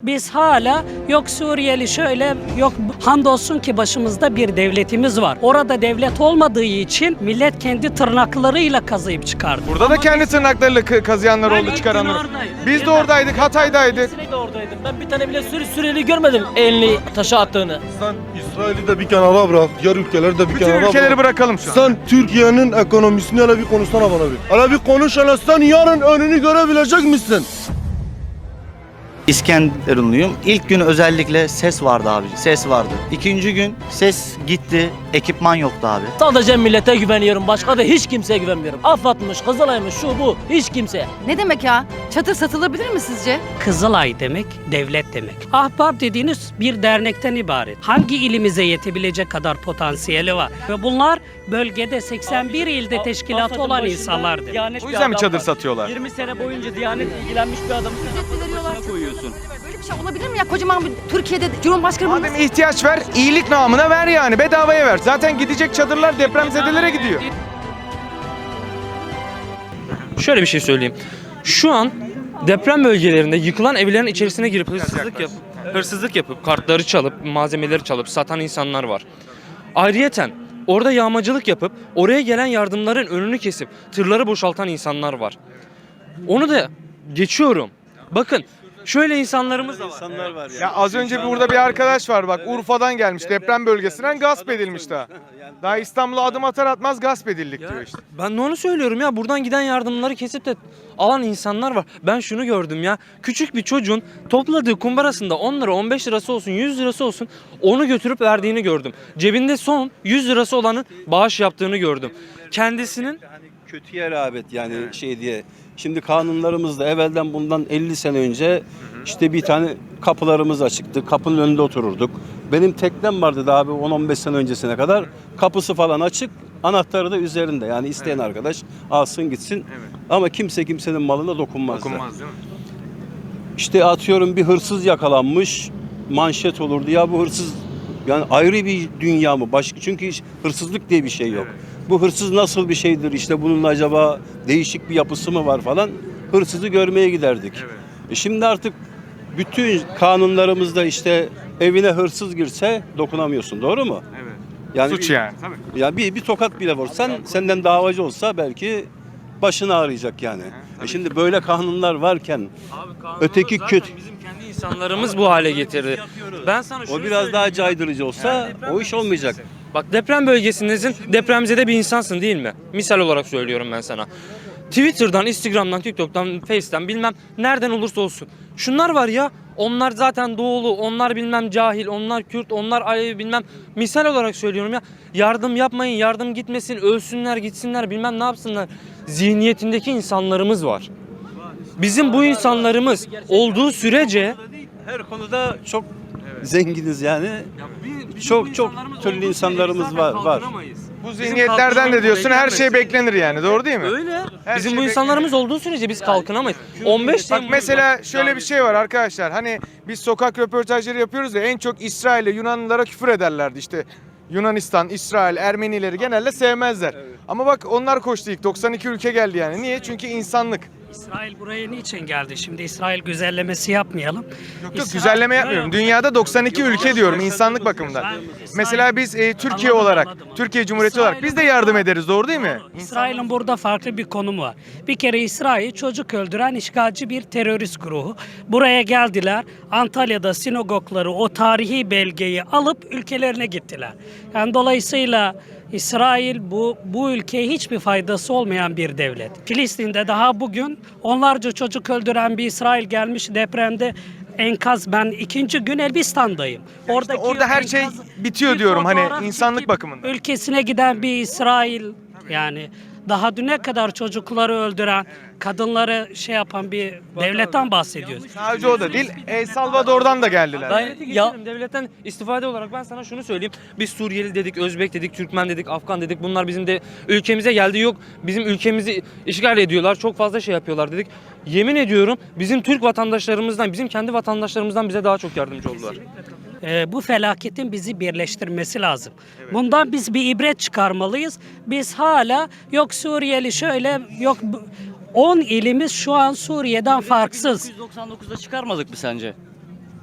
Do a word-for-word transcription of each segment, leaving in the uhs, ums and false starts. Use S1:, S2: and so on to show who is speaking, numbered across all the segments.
S1: Biz hala yok Suriyeli şöyle, yok hamdolsun ki başımızda bir devletimiz var. Orada devlet olmadığı için millet kendi tırnaklarıyla kazıyıp çıkardı.
S2: Burada da kendi tırnaklarıyla kı- kazıyanlar oldu, çıkaranlar. Biz de oradaydık, Hatay'daydık.
S3: Ben de oradaydım. Ben bir tane bile Suri Suriyeli görmedim elini taşa attığını.
S4: Sen İsrail'i de bir kenara bırak, diğer ülkeleri de bir
S2: Bütün
S4: kenara
S2: ülkeleri
S4: bırak.
S2: bırakalım şu an.
S4: Sen Türkiye'nin ekonomisini hele bir konuşsana bana bir. Hele bir konuş hele, sen yarın önünü görebilecek misin?
S5: İskenderunluyum. İlk gün özellikle ses vardı abi. Ses vardı. İkinci gün ses gitti. Ekipman yoktu abi.
S3: Sadece millete güveniyorum. Başka da hiç kimseye güvenmiyorum. AFAD'mış, Kızılay'mış, şu bu. Hiç kimseye.
S6: Ne demek ya? Çadır satılabilir mi sizce?
S1: Kızılay demek devlet demek. Ahbap dediğiniz bir dernekten ibaret. Hangi ilimize yetebilecek kadar potansiyeli var? Ve bunlar bölgede seksen bir ilde teşkilatı olan insanlardır.
S2: O yüzden mi çadır satıyorlar?
S3: yirmi sene boyunca Diyanet ilgilenmiş bir adamı koyuyorsun.
S6: Böyle bir şey olabilir mi ya? Kocaman bir Türkiye'de Cumhurbaşkanı
S2: Madem ihtiyaç ver, iyilik namına ver yani. Bedavaya ver. Zaten gidecek çadırlar depremzedelere gidiyor.
S7: Şöyle bir şey söyleyeyim. Şu an deprem bölgelerinde yıkılan evlerin içerisine girip hırsızlık yapıp, hırsızlık yapıp kartları çalıp, malzemeleri çalıp satan insanlar var. Ayrıyeten orada yağmacılık yapıp oraya gelen yardımların önünü kesip tırları boşaltan insanlar var. Onu da geçiyorum. Bakın şöyle insanlarımız da var.
S2: Ya az önce burada bir arkadaş var bak, Urfa'dan gelmiş, deprem bölgesinden gasp edilmiş daha. Daha İstanbul'a adım atar atmaz gasp edildik diyor işte.
S7: Ben de onu söylüyorum ya, buradan giden yardımları kesip de alan insanlar var. Ben şunu gördüm ya, küçük bir çocuğun topladığı kumbarasında on lira, on beş lirası olsun, yüz lirası olsun onu götürüp verdiğini gördüm. Cebinde son yüz lirası olanın bağış yaptığını gördüm. Kendisinin
S8: Kötüye rağbet yani şey diye. Şimdi kanunlarımızda evvelden bundan elli sene önce işte bir tane kapılarımız açıktı. Kapının önünde otururduk. Benim teknem vardı daha bir on on beş sene öncesine kadar. Kapısı falan açık, anahtarı da üzerinde. Yani isteyen arkadaş alsın gitsin. Ama kimse kimsenin malına dokunmazdı.
S2: Dokunmaz değil mi?
S8: İşte atıyorum bir hırsız yakalanmış, manşet olurdu. Ya bu hırsız yani ayrı bir dünya mı? Başka, çünkü hiç hırsızlık diye bir şey yok. Bu hırsız nasıl bir şeydir? İşte bunun acaba değişik bir yapısı mı var falan. Hırsızı görmeye giderdik. E şimdi artık bütün kanunlarımızda işte evine hırsız girse dokunamıyorsun. Doğru mu?
S2: Evet.
S8: Yani
S2: Suç
S8: bir,
S2: yani. Tabii.
S8: Ya bir, bir tokat bile vursan senden davacı olsa belki başını ağrıyacak yani. E şimdi böyle kanunlar varken öteki kötü.
S7: bizim kendi insanlarımız bu hale getirdi. Ben sana şunu
S8: O biraz daha
S7: söyleyeyim ya.
S8: caydırıcı olsa o iş olmayacak.
S7: Bak deprem bölgesindesin, depremzede bir insansın değil mi? Misal olarak söylüyorum ben sana. Twitter'dan, Instagram'dan, TikTok'tan, Face'ten bilmem nereden olursa olsun. Şunlar var ya, onlar zaten doğulu, onlar bilmem cahil, onlar Kürt, onlar Alevi bilmem. Misal olarak söylüyorum ya, yardım yapmayın, yardım gitmesin, ölsünler, gitsinler bilmem ne yapsınlar. Zihniyetindeki insanlarımız var. Bizim bu insanlarımız olduğu sürece
S8: Her konuda çok zenginiz yani. Çok çok türlü insanlarımız var var.
S2: Bu zihniyetlerden de diyorsun her şey beklenir yani, doğru değil mi?
S7: Öyle.
S2: Her
S7: Bizim
S2: şey
S7: bu insanlarımız olduğu sürece biz kalkınamayız. on beş
S2: Bak
S7: Temmuz
S2: mesela şöyle bir şey var arkadaşlar. Hani biz sokak röportajları yapıyoruz ya, en çok İsrail'e, Yunanlılara küfür ederlerdi işte. Yunanistan, İsrail, Ermenileri genelde sevmezler. Ama bak onlar koştu ilk. doksan iki ülke geldi yani. Niye? Çünkü insanlık.
S1: İsrail buraya niçin geldi? Şimdi İsrail güzellemesi yapmayalım.
S2: Yok yok, güzelleme yapmıyorum. Dünyada doksan iki ülke diyorum insanlık bakımından. Mesela biz e, Türkiye
S1: Anladım,
S2: olarak,
S1: anladım.
S2: Türkiye Cumhuriyeti olarak biz de yardım ederiz, doğru değil mi?
S1: İsrail'in burada farklı bir konumu var. Bir kere İsrail çocuk öldüren işgalci bir terörist grubu. Buraya geldiler. Antalya'da sinagogları, o tarihi belgeyi alıp ülkelerine gittiler. Yani dolayısıyla İsrail bu bu ülkeye hiçbir faydası olmayan bir devlet. Filistin'de daha bugün onlarca çocuk öldüren bir İsrail gelmiş depremde enkaz. Ben ikinci gün Elbistan'dayım. Oradaki
S2: orada her şey
S1: enkaz-
S2: bitiyor
S1: bir
S2: diyorum hani
S1: fotoğraf
S2: insanlık
S1: çekip
S2: bakımından.
S1: Ülkesine giden bir İsrail yani daha düne kadar çocukları öldüren, kadınları şey yapan bir devletten bahsediyoruz.
S2: Sadece o da değil, El Salvador'dan da geldiler.
S7: Ben ya devletten istifade olarak ben sana şunu söyleyeyim. Biz Suriyeli dedik, Özbek dedik, Türkmen dedik, Afgan dedik. Bunlar bizim de ülkemize geldi, yok. Bizim ülkemizi işgal ediyorlar. Çok fazla şey yapıyorlar dedik. Yemin ediyorum bizim Türk vatandaşlarımızdan, bizim kendi vatandaşlarımızdan bize daha çok yardımcı oldular.
S1: Ee, bu felaketin bizi birleştirmesi lazım. Bundan biz bir ibret çıkarmalıyız. Biz hala yok Suriyeli şöyle, yok on ilimiz şu an Suriye'den farksız.
S3: dokuz yüz doksan dokuzda çıkarmadık mı sence?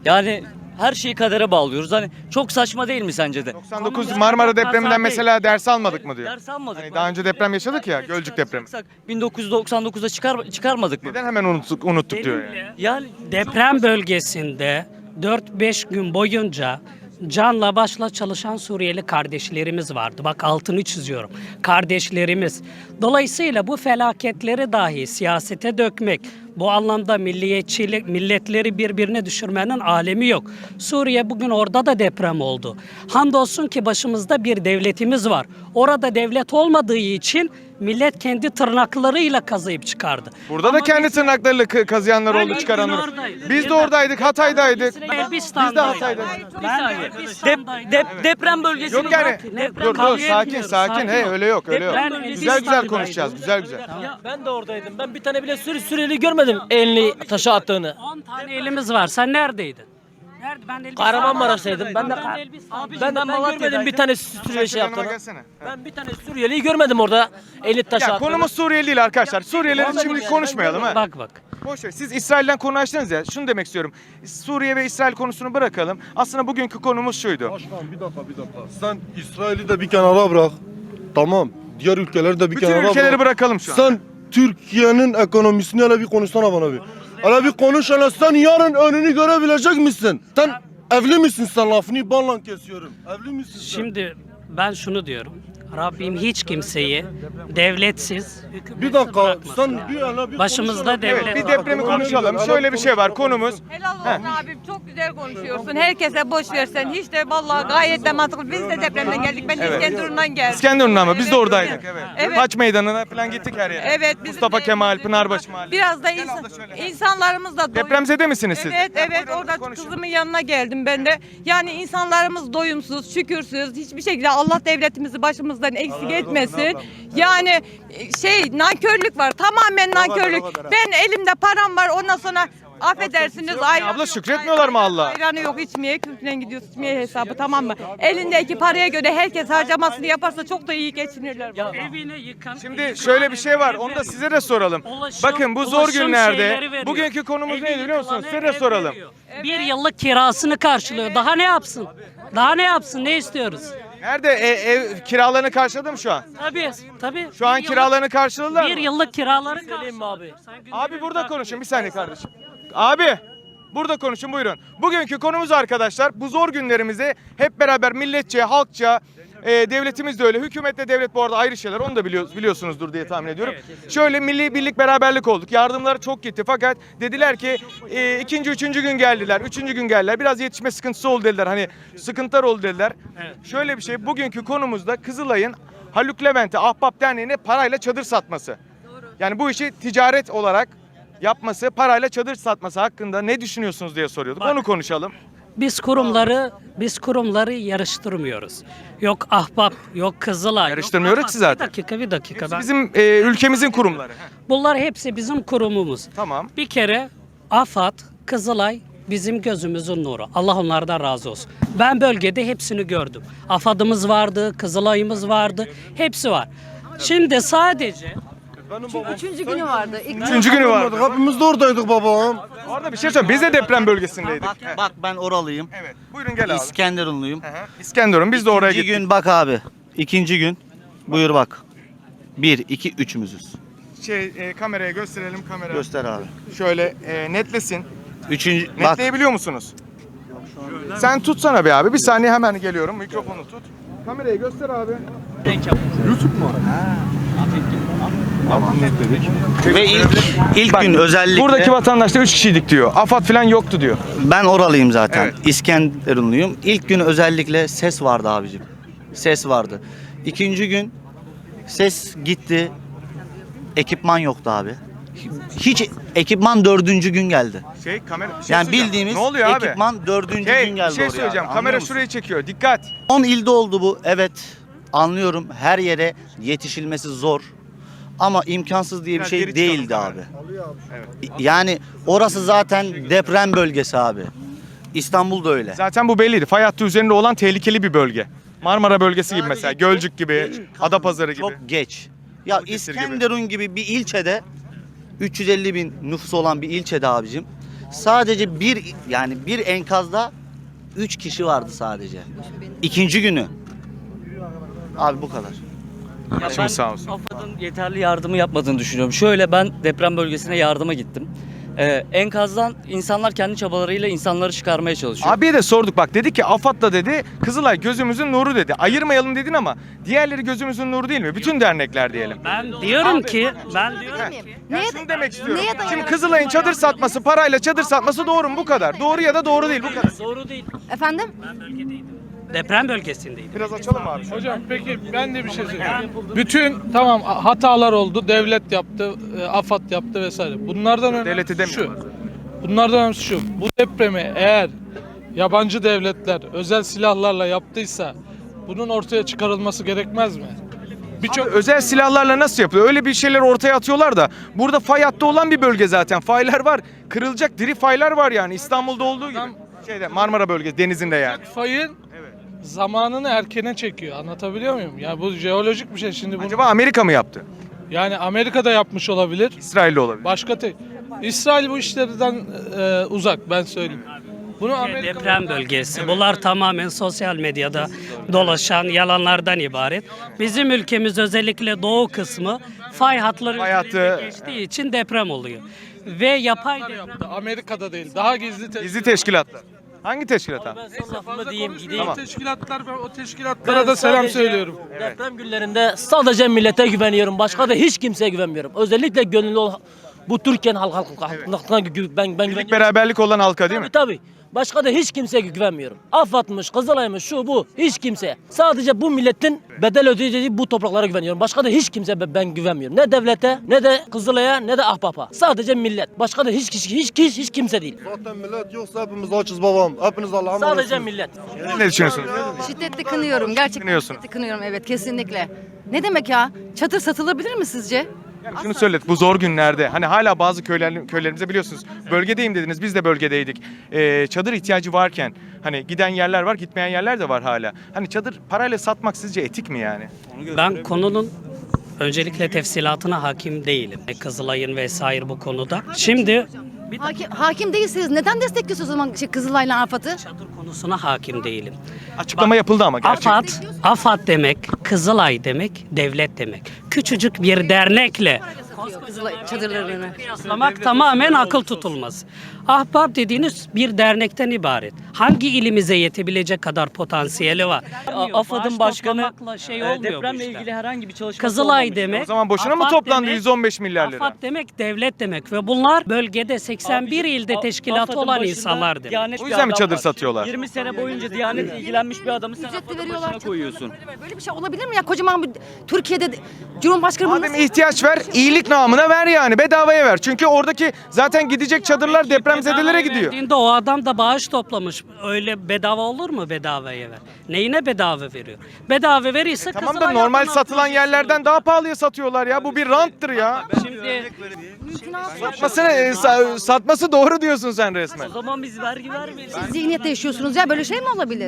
S3: Yani her şeyi kadere bağlıyoruz. Hani çok saçma değil mi sence de?
S2: doksan dokuz
S1: Konumuz
S2: Marmara
S1: kaza
S2: depreminden
S1: değil.
S2: mesela ders almadık mı diyor.
S3: Ders almadık
S2: Hani
S3: mı?
S2: daha önce deprem yaşadık ya, Gölcük depremi.
S3: bin dokuz yüz doksan dokuzda çıkar, çıkarmadık mı?
S2: Neden hemen unuttuk, unuttuk diyor yani.
S1: Benimle
S3: Yani
S1: deprem bölgesinde dört beş gün boyunca canla başla çalışan Suriyeli kardeşlerimiz vardı. Bak altını çiziyorum. Kardeşlerimiz. Dolayısıyla bu felaketleri dahi siyasete dökmek, bu anlamda milliyetçilik, milletleri birbirine düşürmenin alemi yok. Suriye bugün orada da deprem oldu. Hamdolsun ki başımızda bir devletimiz var. Orada devlet olmadığı için millet kendi tırnaklarıyla kazıyıp çıkardı.
S2: Burada da
S1: Ama
S2: kendi
S1: biz-
S2: tırnaklarıyla kı- kazıyanlar
S1: Ben
S2: oldu,
S1: ilk
S2: çıkaranlar
S1: gün
S2: oldu.
S1: oradaydım.
S2: Biz de
S1: Ben-
S2: oradaydık, Hatay'daydık.
S1: Elbistan'daydım.
S2: Biz de Hatay'daydık.
S1: Ben de
S3: Dep,
S1: Elbistan'daydım.
S3: dep- deprem bölgesini
S2: Yok yani.
S1: Bırak, deprem
S2: Dur dur
S1: kavga
S2: sakin
S1: etmiyoruz,
S2: sakin.
S1: sakin
S2: Hey
S1: ol.
S2: öyle yok öyle yok.
S1: Ben
S2: Güzel güzel
S1: Elbistan'daydım.
S2: konuşacağız. Güzel güzel.
S3: Ya ben de oradaydım. Ben bir tane bile Suri Suriyeli görmedim elini taşa attığını.
S1: on tane elimiz var. Sen neredeydin? Nerede? Ben Elbistan'daydım.
S3: Kahramanmaraş'taydım. Ben de
S1: Elbistan'daydım.
S3: ben, ben, ben görmedim bir tane Suriyeli şey
S2: Yanıma
S3: yaptığını.
S2: gelsene.
S3: Ben bir tane Suriyeliyi görmedim orada elini taşa
S2: Ya
S3: attığını.
S2: konumuz Suriyeli değil arkadaşlar. Suriyelileri
S3: Anladım
S2: şimdi
S3: yani,
S2: konuşmayalım
S3: ben
S2: ha.
S1: Bak bak.
S2: Boş ver. Siz İsrail'den konu açtınız ya. Şunu demek istiyorum. Suriye ve İsrail konusunu bırakalım. Aslında bugünkü konumuz şuydu.
S4: Başkan bir dakika bir dakika. Sen İsrail'i de bir kenara bırak. Tamam. Diğer ülkeleri de bir
S2: Bütün
S4: kenara
S2: ülkeleri
S4: bırak.
S2: bırakalım şu an.
S4: Sen Türkiye'nin ekonomisini hele bir konuşsana bana bir. Hele bir konuş hele sen yarın önünü görebilecek misin? Sen evli misin sen lafını banla kesiyorum. Evli misin sen?
S1: Şimdi ben şunu diyorum. Rabbim hiç kimseyi devletsiz, hükümetsiz
S4: bir dakika
S1: bırakmasın.
S4: sen bir hele bir
S1: Başımızda
S4: konuş hele.
S1: devlet
S2: Evet, bir
S1: var.
S2: depremi konuşalım. Şöyle bir şey var. Konumuz
S9: Helal olsun abim, çok güzel konuşuyorsun. Herkese boş versen hiç de vallahi gayet de mantıklı. Biz de depremden geldik. Ben
S2: Evet.
S9: İskenderun'dan geldim.
S2: İskenderun'da ama biz de
S9: Evet,
S2: oradaydık. Evet.
S9: Evet.
S2: Haç Meydanı'na falan gittik her yere.
S9: Evet. bizim
S2: Mustafa
S9: de
S2: Kemal,
S9: evimizde
S2: Pınarbaşı
S9: var.
S2: Mahallesi.
S9: Biraz da
S2: Gel
S9: insan,
S2: abla şöyle.
S9: insanlarımız da doyum-
S2: Depremzede misiniz siz?
S9: Evet, evet.
S2: Buyurun,
S9: Orada
S2: konuşun.
S9: kızımın yanına geldim ben de. Yani insanlarımız doyumsuz, şükürsüz. Hiçbir şekilde Allah devletimizi başımızdan eksik etmesin. Yani e, şey nankörlük var. Tamamen nankörlük. Ben elimde param var. Ondan sonra affedersiniz ayranı
S2: abla,
S9: yok,
S2: şükretmiyorlar mı Allah'a?
S9: Ayranı yok içmeye, kültüren gidiyoruz içmeye hesabı, tamam mı? Elindeki paraya göre herkes harcamasını yaparsa çok da iyi geçinirler.
S1: Evini yıkan,
S2: Şimdi şöyle bir şey var. Onu da size de soralım.
S1: Ulaşım-
S2: Bakın bu zor
S1: ulaşım şeyleri
S2: günlerde
S1: veriyor.
S2: bugünkü konumuz
S1: Evi
S2: neydi biliyor musunuz?
S1: yıkılanı
S2: Size de
S1: ev
S2: soralım.
S1: veriyor. Bir yıllık kirasını karşılıyor. Daha ne yapsın? Daha ne yapsın? Ne istiyoruz?
S2: Nerede E, ev kiralarını karşıladı mı şu an?
S1: Tabii, tabii.
S2: Şu an
S1: Bir yıllık-
S2: kiralarını karşıladılar
S1: Bir
S2: mı?
S1: yıllık kiraları
S3: Söyleyeyim mi abi?
S2: Abi burada konuşun bir saniye kardeşim. Abi burada konuşun buyurun. Bugünkü konumuz arkadaşlar bu zor günlerimizi hep beraber milletçe, halkça, e, devletimiz de öyle. Hükümetle devlet bu arada ayrı şeyler. Onu da biliyoruz, biliyorsunuzdur diye tahmin ediyorum. Şöyle milli birlik beraberlik olduk. Yardımlar çok gitti fakat dediler ki e, ikinci, üçüncü gün geldiler. Üçüncü gün geldiler. Biraz yetişme sıkıntısı oldu dediler. Hani sıkıntılar oldu dediler. Şöyle bir şey bugünkü konumuzda Kızılay'ın Haluk Levent'e Ahbap Derneği'ne parayla çadır satması. Yani bu işi ticaret olarak yapması, parayla çadır satması hakkında ne düşünüyorsunuz diye soruyorduk. Onu konuşalım.
S1: Biz kurumları biz kurumları yarıştırmıyoruz. Yok Ahbap, yok Kızılay. yok
S2: Yarıştırmıyoruz
S1: AFAD.
S2: ki zaten.
S1: Bir dakika, bir dakika. Ben-
S2: Bizim e, ülkemizin kurumları.
S1: Bunlar hepsi bizim kurumumuz.
S2: Tamam.
S1: Bir kere AFAD, Kızılay bizim gözümüzün nuru. Allah onlardan razı olsun. Ben bölgede hepsini gördüm. AFAD'ımız vardı, Kızılay'ımız vardı. Hepsi var. Şimdi sadece
S6: Üçüncü günü vardı. İlk
S2: Üçüncü günü var.
S4: Hepimiz de oradaydık babam.
S2: Orada bir şey söyleyeyim. Biz de deprem bölgesindeydik.
S5: Bak,
S2: Heh.
S5: bak ben oralıyım.
S2: Evet. Buyurun gel abi.
S5: İskenderunluyum.
S2: Hı hı. İskenderun. Biz de oraya
S5: İkinci
S2: gittik.
S5: gün bak abi. İkinci gün. Buyur bak. Bir, iki, üçümüzüz.
S2: Şey e, kameraya gösterelim kamera.
S5: Göster abi.
S2: Şöyle e, netlesin.
S5: Üçüncü bak.
S2: Netleyebiliyor musunuz? Sen tutsana be abi. Bir saniye hemen geliyorum. Mikrofonu tut. Kamerayı göster abi. Tamam netledik.
S5: Ve ilk ilk gün özellikle
S2: Buradaki vatandaşlar üç kişiydik diyor. AFAD falan yoktu diyor.
S5: ben oralıyım zaten.
S2: Evet.
S5: İskenderunluyum. İlk gün özellikle ses vardı abicim. Ses vardı. İkinci gün ses gitti. Ekipman yoktu abi. Hiç ekipman dördüncü gün geldi.
S2: Şey kamera bir şey
S5: Yani
S2: söyleyeceğim.
S5: bildiğimiz
S2: ne oluyor abi?
S5: ekipman dördüncü
S2: Hey,
S5: gün
S2: bir
S5: geldi
S2: şey
S5: oraya.
S2: söyleyeceğim.
S5: abi.
S2: Kamera
S5: Anlıyor musun?
S2: şurayı çekiyor. Dikkat.
S5: on ilde oldu bu. Evet. Anlıyorum. Her yere yetişilmesi zor. Ama imkansız diye bir
S2: Biraz
S5: şey
S2: geri çıkalım
S5: değildi
S2: kamera.
S5: abi. Yani orası zaten deprem bölgesi abi. İstanbul da öyle.
S2: Zaten bu belliydi. Fay hattı üzerinde olan tehlikeli bir bölge. Marmara bölgesi gibi mesela. Gölcük gibi, Adapazarı gibi.
S5: Çok geç. Ya
S2: Balıkesir gibi.
S5: İskenderun gibi bir ilçede üç yüz elli bin nüfusu olan bir ilçede abicim Sadece bir yani bir enkazda üç kişi vardı sadece. İkinci günü. Abi bu kadar.
S2: Başımız sağ olsun.
S3: AFAD'ın yeterli yardımı yapmadığını düşünüyorum. Şöyle ben deprem bölgesine yardıma gittim. Ee, enkazdan insanlar kendi çabalarıyla insanları çıkarmaya çalışıyor.
S2: Abiye de sorduk bak, dedi ki AFAD'la dedi Kızılay gözümüzün nuru dedi. Ayırmayalım dedin ama diğerleri gözümüzün nuru değil mi? Bütün dernekler diyelim.
S1: Ben diyorum ki, ben diyorum
S2: Heh.
S1: ki
S2: Ben
S6: Neye-
S2: şunu demek istiyorum.
S6: neye dayanarak-
S2: Şimdi Kızılay'ın çadır satması, parayla çadır satması doğru mu? Bu kadar. Doğru ya da doğru değil, bu kadar.
S3: Doğru değil.
S6: Efendim?
S1: deprem bölgesindeydim.
S2: Biraz açalım abi.
S10: Hocam peki ben de bir şey söyleyeyim. Bütün tamam hatalar oldu. Devlet yaptı, e, AFAD yaptı vesaire. Bunlardan önemlisi
S2: Devleti demiyorum.
S10: şu. Bunlardan önemlisi şu. Bu depremi eğer yabancı devletler özel silahlarla yaptıysa bunun ortaya çıkarılması gerekmez mi? Birçok
S2: Özel silahlarla nasıl yapılıyor? Öyle bir şeyler ortaya atıyorlar da burada fay hattı olan bir bölge zaten. Faylar var. Kırılacak diri faylar var yani. İstanbul'da olduğu gibi. Şeyde Marmara bölgesi denizinde yani.
S10: fayın zamanını erkene çekiyor. Anlatabiliyor muyum? Ya bu jeolojik bir şey şimdi bunu.
S2: Acaba Amerika mı yaptı?
S10: Yani Amerika'da yapmış olabilir.
S2: İsrail'de olabilir.
S10: Başka tek. İsrail bu işlerden e, uzak ben söyleyeyim. Bunu Amerika
S1: Deprem bölgesi. Bunlar tamamen sosyal medyada dolaşan yalanlardan ibaret. Bizim ülkemiz özellikle doğu kısmı fay hatları
S2: Fay
S1: üzerinde
S2: hattı-
S1: geçtiği için deprem oluyor. Ve yapay deprem.
S10: yaptı. Amerika'da değil. Daha gizli te-
S2: Gizli teşkilatlar. Hangi teşkilat abi?
S3: Ben son lafımı diyeyim gideyim.
S10: Tamam.
S2: Tamam.
S10: Teşkilatlar ben o teşkilatlara da selam
S3: sadece
S10: söylüyorum.
S3: Deprem günlerinde sadece millete güveniyorum. Başka da hiç kimseye güvenmiyorum. Özellikle gönüllü ol bu Türkiye'nin halk halk halkına gü- ben ben
S2: Birlik
S3: güveniyorum.
S2: beraberlik olan halka değil mi?
S3: Tabii tabii. Başka da hiç kimseye güvenmiyorum. AFAD'mış, Kızılay'mış, şu bu. Hiç kimseye. Sadece bu milletin bedel ödeyeceği bu topraklara güveniyorum. Başka da hiç kimseye ben- ben güvenmiyorum. Ne devlete, ne de Kızılay'a, ne de Ahbap'a. Sadece millet. Başka da hiç kişi, hiç, hiç, hiç kimse değil.
S4: Zaten millet yoksa hepimiz açız babam. Hepiniz Allah'a
S3: Sadece
S4: emanetsiniz.
S3: millet.
S2: Siz ne düşünüyorsunuz?
S6: Şiddetli kınıyorum. Gerçekten
S2: Kınıyorsun.
S6: şiddetli kınıyorum, evet, kesinlikle. Ne demek ya? Çadır satılabilir mi sizce?
S2: Yani şunu söyledik, bu zor günlerde hani hala bazı köyler, köylerimize biliyorsunuz bölgedeyim dediniz, biz de bölgedeydik. Ee, çadır ihtiyacı varken hani giden yerler var, gitmeyen yerler de var hala. Hani çadır parayla satmak sizce etik mi yani?
S1: Ben konunun öncelikle tefsilatına hakim değilim. Kızılay'ın vesaire bu konuda. Şimdi bir
S6: Hakim, hakim değilseniz neden destekliyorsunuz o zaman şey, Kızılay'la AFAD'ı?
S1: çadır konusuna hakim değilim.
S2: Açıklama yapıldı ama gerçekten.
S1: AFAD, AFAD demek, Kızılay demek, devlet demek. Küçücük bir dernekle
S6: Kızılay çadırlarını.
S1: kıyaslamak tamamen akıl tutulmaz. Ahbap dediğiniz bir dernekten ibaret. Hangi ilimize yetebilecek kadar potansiyeli var?
S3: AFAD'ın
S1: Baş
S3: başkanı
S1: toplamakla şey
S3: e,
S1: olmuyor bu
S3: depremle
S1: işler.
S3: ilgili herhangi bir çalışması
S1: Kızılay
S3: olmamış.
S1: demek.
S2: O zaman boşuna mı
S1: AFAD
S2: toplandı
S1: demek-
S2: yüz on beş milyar lira?
S1: AFAD demek devlet demek ve bunlar bölgede seksen bir
S3: Abicim,
S1: ilde
S3: A-
S1: teşkilatı
S3: AFAD'ın
S1: olan
S3: başında
S1: insanlar demek.
S3: Diyanet
S2: O
S3: bir
S2: yüzden mi
S3: adam
S2: çadır
S3: var.
S2: satıyorlar?
S3: yirmi sene boyunca Diyanet'le ilgilenmiş bir adamı sen
S6: Ücretli
S3: AFAD'ın
S6: veriyorlar.
S3: başına koyuyorsun.
S6: çadırları. Böyle bir şey olabilir mi ya? Kocaman bir Türkiye'de de- Cumhurbaşkanı bunu
S2: Madem
S6: nasıl-
S2: ihtiyaç ver, iyilik namına ver yani, bedavaya ver. Çünkü oradaki zaten gidecek çadırlar depremzedelere
S1: Bedavaya
S2: gidiyor.
S1: verdiğinde o adam da bağış toplamış. Öyle bedava olur mu bedavaya ver? Neyine bedava veriyor? Bedava verirse
S2: Tamam da
S1: Kızılay
S2: normal
S1: adına
S2: satılan
S1: projesi
S2: yerlerden
S1: olur.
S2: daha pahalıya satıyorlar ya. Bu bir ranttır ya.
S1: Şimdi
S2: Satmasını, e, sa- satması doğru diyorsun sen resmen.
S3: O zaman biz vergi vermeyelim.
S6: Siz zihniyette yaşıyorsunuz ya, böyle şey mi olabilir?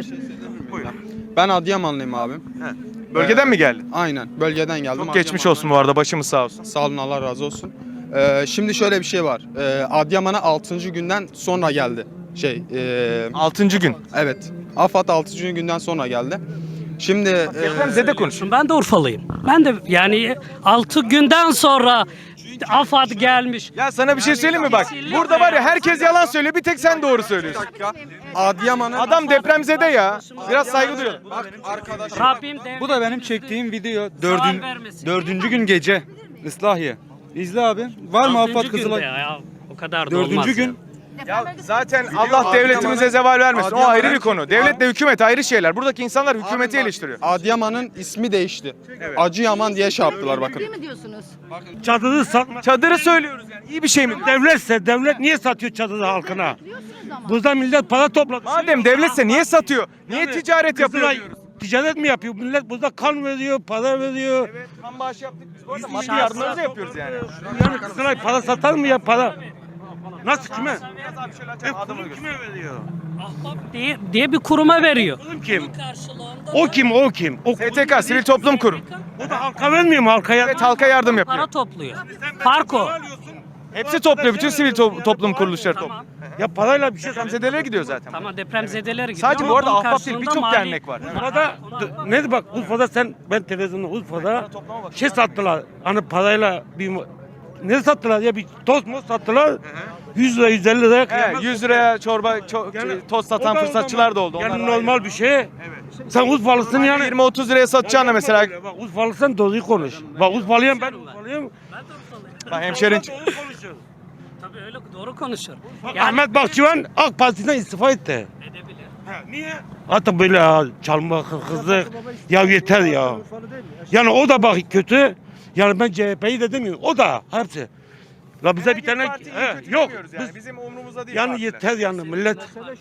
S11: Ben Adıyamanlıyım abim.
S2: Bölgeden mi geldin?
S11: Aynen bölgeden geldim.
S2: Çok geçmiş
S11: Adıyaman'dan-
S2: olsun bu arada, başımız sağ olsun.
S11: Sağ olun, Allah razı olsun. Ee, şimdi şöyle bir şey var. Ee, Adıyaman'a altıncı günden sonra geldi. Şey, e,
S2: altıncı gün.
S11: evet. AFAD altıncı günden sonra geldi. Şimdi e,
S2: Depremzede konuşun.
S1: ben de Urfalıyım. Ben de yani altı günden sonra AFAD gelmiş.
S2: Ya sana bir şey söyleyeyim mi bak? Burada var ya herkes yalan söylüyor, bir tek sen doğru söylüyorsun.
S11: Adıyaman'a
S2: Adam depremzede ya. Biraz saygı duyalım.
S1: Rabbim devlet
S12: Bu da benim çektiğim video.
S1: zarar
S12: Dördün,
S1: vermesin.
S12: dördüncü gün gece. Islahiye. İzle abi. Var mı
S1: Altıncı
S12: AFAD
S1: günde
S12: Kızılay?
S1: ya, o kadar da olmaz.
S12: Dördüncü
S1: ya.
S12: gün.
S2: Ya zaten Allah devletimize zeval vermesin. O ayrı bir konu. Devletle hükümet ayrı şeyler. Buradaki insanlar hükümeti eleştiriyor.
S11: Adıyaman'ın ismi değişti. Acıyaman diye şey yaptılar bakın.
S6: Değil mi diyorsunuz?
S12: Çadırı satma.
S2: Çadırı söylüyoruz yani. İyi bir şey mi?
S12: Devletse devlet niye satıyor çadırı halkına?
S6: Biliyorsunuz ama.
S12: Burada millet para topladı.
S2: Madem devletse niye satıyor? Niye ticaret yapıyor
S12: Kızılay
S2: diyoruz?
S12: ticaret mi yapıyor? Millet burada kan veriyor, para veriyor.
S2: Evet, kan bağışı yaptık biz. Bu arada maddi yardımlarımızı yapıyoruz yani.
S12: Yani Kızılay para satar mı ya para? Nasıl kime?
S2: Biraz abi şöyle açalım, adamı göster.
S12: Kime veriyor?
S1: diye, diye bir kuruma veriyor.
S12: Oğlum kim? O kim? O kim? O,
S2: S T K, Sivil Toplum Kurum.
S12: o da halka vermiyor mu halkaya?
S2: Evet, halka yardım
S1: Para
S2: yapıyor.
S1: topluyor. Fark o.
S2: Hepsi topluyor. Bütün sivil to- toplum kuruluşları topluyor.
S12: Ya parayla bir şey
S2: Depremzedelere gidiyor zaten.
S1: Tamam depremzedelere gidiyor.
S2: Sadece
S1: ama
S2: bu arada
S1: bunun
S2: Ahbap değil,
S1: karşılığında
S2: birçok
S1: mali-
S2: dernek var.
S12: Urfa'da ne bak Urfa'da sen ben televizyonda Urfa'da şey sattılar. Hani parayla bir ne sattılar ya bir tost mu sattılar? yüz lira yüz elli liraya
S2: He,
S12: kıyamet.
S2: yüz liraya çorba ço-
S12: Yani
S2: tost
S12: o
S2: satan
S12: da- o
S2: fırsatçılar
S12: da-
S2: da oldu.
S12: Yani
S2: Onlar ayrı.
S12: normal bir şey. Sen Urfalısın yani.
S2: yirmi otuz liraya satacağına mesela.
S12: Bak Urfalısın doğruyu konuş. Bak Urfalıyım ben Urfalıyım.
S2: Bak hemşerin
S12: Doğru konuşuyor.
S1: Tabii öyle doğru konuşur.
S12: Bak,
S1: Yani
S12: Ahmet Bahçıvan AK Parti'den istifa etti. Ha, niye? Hatta böyle ya, çalma, hırsızlık. Ya yeter ya. Yani o da bak kötü. Yani ben C H P'yi de demiyorum. O da hepsi. La bize bir tane he, yok. Biz,
S2: Bizim umrumuzda değil.
S12: yani
S2: partiler.
S12: yeter yani millet.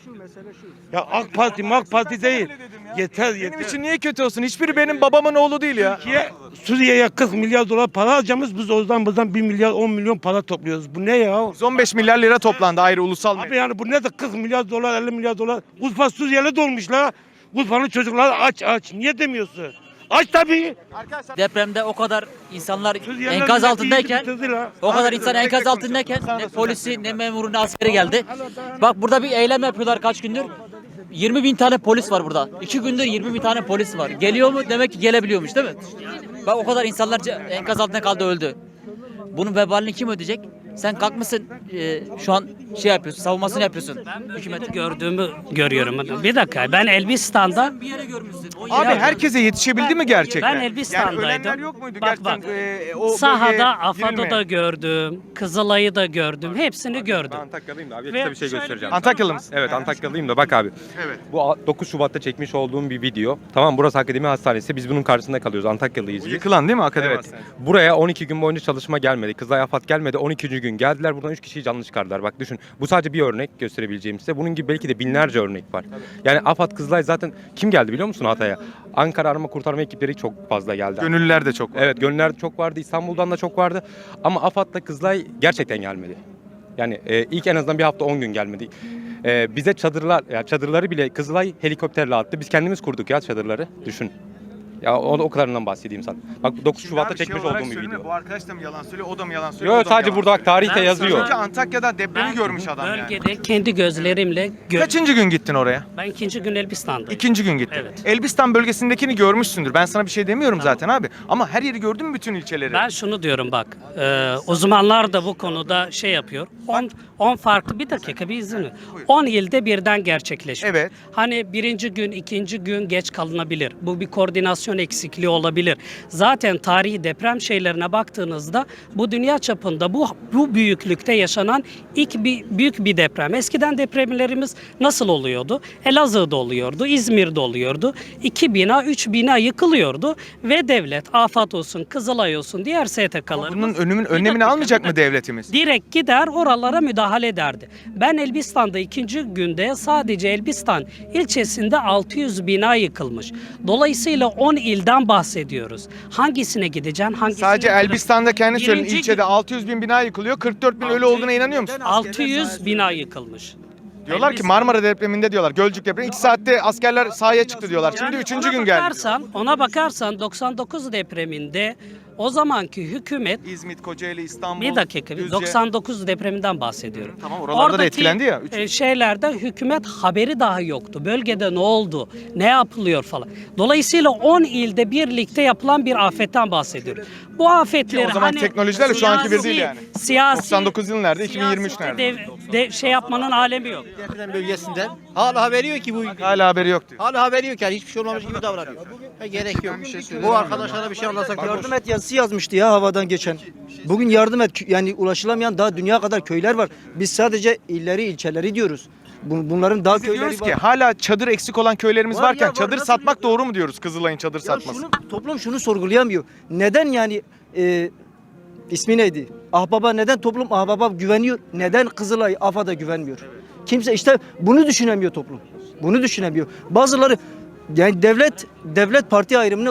S12: Ya AK Parti, AK Parti değil. Yeter yeter.
S2: Benim için niye kötü olsun? Hiçbiri benim babamın oğlu değil ya.
S12: Türkiye Suriye'ye kırk milyar dolar para harcamış. Biz oradan buradan bir milyar on milyon para topluyoruz. Bu ne ya?
S2: yüz on beş milyar lira toplandı ayrı ulusal
S12: Abi
S2: medya.
S12: yani bu ne de kırk milyar dolar elli milyar dolar. Urfa Suriyeli dolmuş la. Urfa'nın çocukları aç aç. Niye demiyorsun? Aç tabii.
S3: Depremde o kadar insanlar
S12: Suriyeliler
S3: enkaz
S12: milleti
S3: altındayken
S12: yedi bitirdi la.
S3: o kadar insan enkaz altındayken ne polisi ne memuru ne askeri geldi. Bak burada bir eylem yapıyorlar kaç gündür. yirmi bin tane polis var burada. iki gündür yirmi bin tane polis var. Geliyor mu? Demek ki gelebiliyormuş değil mi? Bak o kadar insanlar ce- enkaz altında kaldı öldü. Bunun vebalini kim ödeyecek? Sen kalkmışsın e, şu an şey yapıyorsun, savunmasını yapıyorsun. Hükümet
S1: gördüğümü görüyorum. Bir dakika ben Elbistan'da
S3: bir yere görmüşsün. O
S2: Abi
S3: yere-
S2: herkese yetişebildi mi gerçekten?
S1: Ben Elbistan'daydım.
S2: Yani ölenler yok muydu
S1: Bak,
S2: gerçekten?
S1: bak.
S2: e, o
S1: Sahada
S2: bölgeye
S1: AFAD'ı
S2: girilmeyen?
S1: da gördüm, Kızılay'ı da gördüm, hepsini gördüm.
S13: Antakyalıyım da abi
S1: Ve
S13: size bir şey
S1: şöyle
S13: göstereceğim.
S1: bir-
S2: Antakyalı mısın?
S13: Evet Antakyalıyım da bak abi.
S2: Evet.
S13: Bu dokuz Şubat'ta çekmiş olduğum bir video. Tamam burası Akademi Hastanesi. Biz bunun karşısında kalıyoruz. Antakyalıyız
S2: Bu
S13: biz.
S2: yıkılan değil mi Akademi
S13: Evet.
S2: Hastanesi?
S13: Buraya on iki gün boyunca çalışma gelmedi. Kızılay AFAD gelmedi. on ikinci gün geldiler. Buradan üç kişiyi canlı çıkardılar. Bak düşün. Bu sadece bir örnek gösterebileceğim size. Bunun gibi belki de binlerce örnek var. Yani AFAD Kızılay zaten kim geldi biliyor musun Hatay'a? Ankara arama kurtarma ekipleri çok fazla geldi.
S2: Gönüllüler de çok var.
S13: Evet gönüller çok vardı. İstanbul'dan da çok vardı. Ama AFAD'la Kızılay gerçekten gelmedi. Yani e, ilk en azından bir hafta on gün gelmedi. E, bize çadırlar, ya çadırları bile Kızılay helikopterle attı. Biz kendimiz kurduk ya çadırları. Düşün. Ya o, o kadarından bahsedeyim sana. Bak dokuz
S2: Şimdi
S13: Şubat'ta
S2: abi şey
S13: çekmiş
S2: olarak
S13: olduğum bir
S2: söyleme,
S13: video.
S2: Bu arkadaş da mı yalan söylüyor, o da mı yalan söylüyor?
S13: Yok
S2: o da mı
S13: sadece
S2: yalan
S13: burada bak tarihte
S1: Ben
S13: yazıyor.
S2: Çünkü Antakya'da depremi görmüş adam yani.
S1: Bölgede kendi gözlerimle gö-
S2: Kaçıncı gün gittin oraya?
S1: ben ikinci gün Elbistan'dayım.
S2: İkinci gün gittin.
S1: Evet.
S2: Elbistan bölgesindekini görmüşsündür. Ben sana bir şey demiyorum zaten abi. Ama her yeri gördün mü bütün ilçeleri?
S1: Ben şunu diyorum bak, e, uzmanlar da bu konuda şey yapıyor. on farklı bir dakika bir izin ver. on ilde birden gerçekleşiyor.
S2: Evet.
S1: Hani birinci gün, ikinci gün geç kalınabilir. Bu bir koordinasyon eksikliği olabilir. Zaten tarihi deprem şeylerine baktığınızda bu dünya çapında bu bu büyüklükte yaşanan ilk bir büyük bir deprem. Eskiden depremlerimiz nasıl oluyordu? Elazığ'da oluyordu, İzmir'de oluyordu. İki bina, üç bina yıkılıyordu ve devlet, AFAD olsun, Kızılay olsun, diğer S T K'larımız
S2: Bunun önümün
S1: Bir
S2: önlemini
S1: dakika,
S2: almayacak
S1: bir
S2: mı devletimiz?
S1: direkt gider oralara müdahale ederdi. Ben Elbistan'da ikinci günde sadece Elbistan ilçesinde altı yüz bina yıkılmış. Dolayısıyla on ilden bahsediyoruz. Hangisine gideceksin? Hangisine
S2: Sadece
S1: gideceksin?
S2: Elbistan'da kendi söyledin.
S1: Birinci
S2: İlçede
S1: gün-
S2: altı yüz bin bina yıkılıyor. kırk dört bin ölü olduğuna inanıyor musun?
S1: altı yüz bina yıkılmış.
S2: Diyorlar ki Marmara depreminde diyorlar. Gölcük depremi. iki saatte askerler sahaya çıktı diyorlar. Şimdi
S1: Yani
S2: üçüncü
S1: ona
S2: gün geldi.
S1: bakarsan, ona bakarsan doksan dokuz depreminde o zamanki hükümet
S2: İzmit, Kocaeli, İstanbul,
S1: bir dakika
S2: Düzce.
S1: doksan dokuz depreminden bahsediyorum.
S2: Tamam, oralarda da etkilendi ya. Üç-
S1: e, şeylerde hükümet haberi dahi yoktu. Bölgede ne oldu, ne yapılıyor falan. Dolayısıyla on ilde birlikte yapılan bir afetten bahsediyoruz. Bu afetleri
S2: O zaman
S1: hani
S2: teknolojilerle şu anki bir değil
S1: siyasi-
S2: yani.
S1: Siyasi,
S2: doksan dokuz yıl nerede? iki bin yirmi üç
S1: siyasete
S2: nerede?
S1: dev- de- şey yapmanın alemi yok.
S14: Deprem bölgesinden. Hala haberi yok ki bu.
S2: Hala haberi yok diyor.
S14: Hala haberi yok yani hiçbir şey olmamış gibi davranıyor. Ha, gerek yok. Bu arkadaşlara bir şey anlatsak yardım et yazısı yazmıştı ya havadan geçen. Bugün yardım et yani ulaşılamayan daha dünya kadar köyler var. Biz sadece illeri ilçeleri diyoruz. Bu- Bunların daha
S2: Biz de
S14: köyleri
S2: diyoruz
S14: var.
S2: ki hala çadır eksik olan köylerimiz
S14: Var
S2: varken
S14: ya, var.
S2: çadır
S14: Nasıl
S2: satmak
S14: biliyor-
S2: doğru mu diyoruz Kızılay'ın çadır
S14: Ya
S2: satması?
S14: şunu, toplum şunu sorgulayamıyor. Neden yani e, ismi neydi? Ahbaba neden toplum Ahbaba güveniyor? Neden Kızılay AFAD'a güvenmiyor? Kimse işte bunu düşünemiyor toplum. Bunu düşünemiyor. Bazıları yani devlet devlet parti ayrımını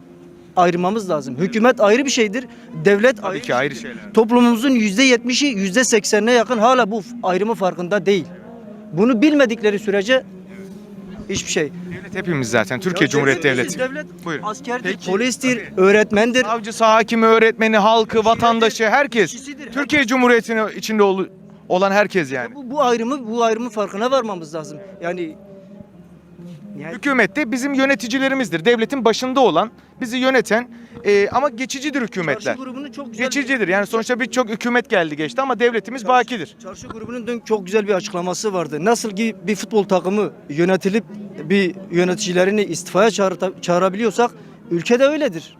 S14: ayırmamız lazım. Hükümet ayrı bir şeydir. Devlet
S2: Tabii
S14: ayrı
S2: ki
S14: bir
S2: ayrı
S14: şeydir.
S2: şeyler.
S14: Toplumumuzun yüzde yetmişi yüzde seksenine yakın hala bu ayrımı farkında değil. Bunu bilmedikleri sürece Hiçbir şey.
S2: Devlet hepimiz zaten. Türkiye
S14: Ya
S2: Cumhuriyeti
S14: devlet-
S2: Devleti.
S14: Devlet
S2: Buyurun.
S14: askerdir,
S2: Peki.
S14: polistir, öğretmendir.
S2: Savcısı, hakimi, öğretmeni, halkı, vatandaşı, herkes.
S14: kişisidir.
S2: Türkiye Cumhuriyeti'nin içinde ol- olan herkes yani.
S14: Bu, bu ayrımı bu ayrımın farkına varmamız lazım. Yani yani
S2: Hükümet de bizim yöneticilerimizdir. Devletin başında olan, bizi yöneten e, ama geçicidir hükümetler.
S14: Çarşı grubunun çok güzel
S2: Geçicidir. Yani sonuçta birçok hükümet geldi geçti ama devletimiz bakidir.
S14: Çarşı grubunun dün çok güzel bir açıklaması vardı. Nasıl ki bir futbol takımı yönetilip bir yöneticilerini istifaya çağırta- çağırabiliyorsak ülkede öyledir.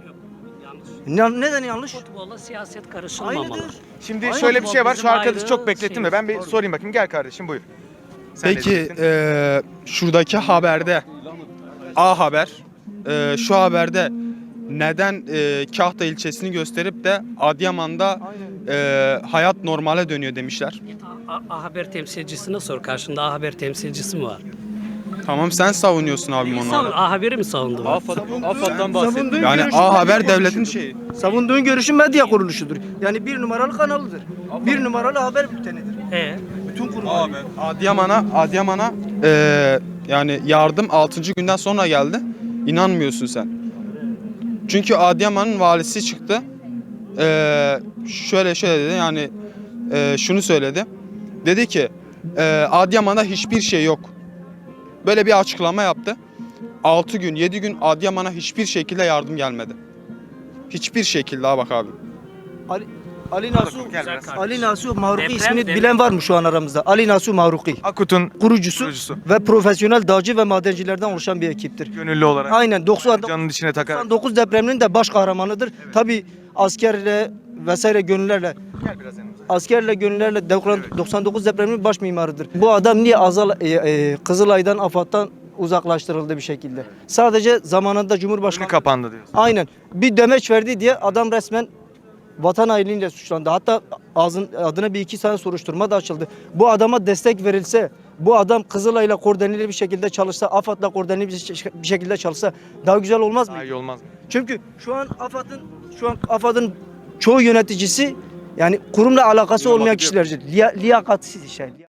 S14: Ne, neden yanlış?
S1: Futbolla siyaset karışılmamalı.
S14: Aynıdır.
S2: Şimdi
S14: Aynen.
S2: şöyle bir şey var. Şu
S1: Bizim
S2: arkadaşı
S1: ayrı
S2: çok beklettim de ben bir
S1: şeyimiz.
S2: sorayım bakayım. Gel kardeşim buyur. Sen ne
S11: Peki
S2: diyeceksin?
S11: e, şuradaki haberde A Haber e, şu haberde neden e, Kahta ilçesini gösterip de Adıyaman'da e, hayat normale dönüyor demişler.
S1: A, A Haber temsilcisine sor. Karşında A Haber temsilcisi mi var?
S11: Tamam sen savunuyorsun abim
S1: Savun,
S11: onu.
S1: A Haber'i mi savundu?
S3: AFAD'dan
S14: Savunduğun
S11: Yani
S14: görüşün
S11: A Haber
S14: medya
S11: devletin
S14: kuruluşudur.
S11: şeyi.
S14: Savunduğun görüşün medya kuruluşudur. Yani bir numaralı kanalıdır. Bir numaralı haber bültenidir.
S1: E,
S14: Bütün kurumlar.
S11: Adıyaman'a Adıyaman'a e, yani yardım altıncı günden sonra geldi. İnanmıyorsun sen. Çünkü Adıyaman'ın valisi çıktı. E, şöyle şöyle dedi yani e, şunu söyledi. Dedi ki e, Adıyaman'da hiçbir şey yok. Böyle bir açıklama yaptı. altı gün yedi gün Adıyaman'a hiçbir şekilde yardım gelmedi. Hiçbir şekilde ha bak abi.
S14: Ali, Ali Nasuh,
S2: Gel biraz.
S14: Ali Nasuh Mahruki
S1: Deprem,
S14: ismini
S1: deprem.
S14: bilen var mı şu an aramızda? Ali Nasuh Mahruki.
S2: Akut'un
S14: Kurucusu,
S2: Kurucusu.
S14: ve profesyonel dağcı ve madencilerden oluşan bir ekiptir.
S2: gönüllü olarak
S14: Aynen doksan
S2: canın içine takar.
S14: doksan dokuz depreminin de baş kahramanıdır. Tabii askerle vesaire gönüllerle
S2: Gel biraz yanımıza.
S14: askerle gönüllerle doksan dokuz depreminin baş mimarıdır. Bu adam niye Azal e, e, Kızılay'dan, AFAD'dan uzaklaştırıldı bir şekilde? Sadece zamanında
S2: Önü
S14: Cumhurbaşkanı
S2: kapandı diyorsun.
S14: aynen bir demeç verdi diye adam resmen vatan hainliğiyle suçlandı. Hatta ağzın, adına bir iki tane soruşturma da açıldı. Bu adama destek verilse, bu adam Kızılay'la koordineli bir şekilde çalışsa, AFAD'la koordineli bir şe- bir şekilde çalışsa daha güzel olmaz mı?
S2: Daha iyi olmaz mı?
S14: Çünkü şu an AFAD'ın şu an AFAD'ın çoğu yöneticisi yani kurumla alakası olmayan kişilerdir. Liya, liyakatsiz şey.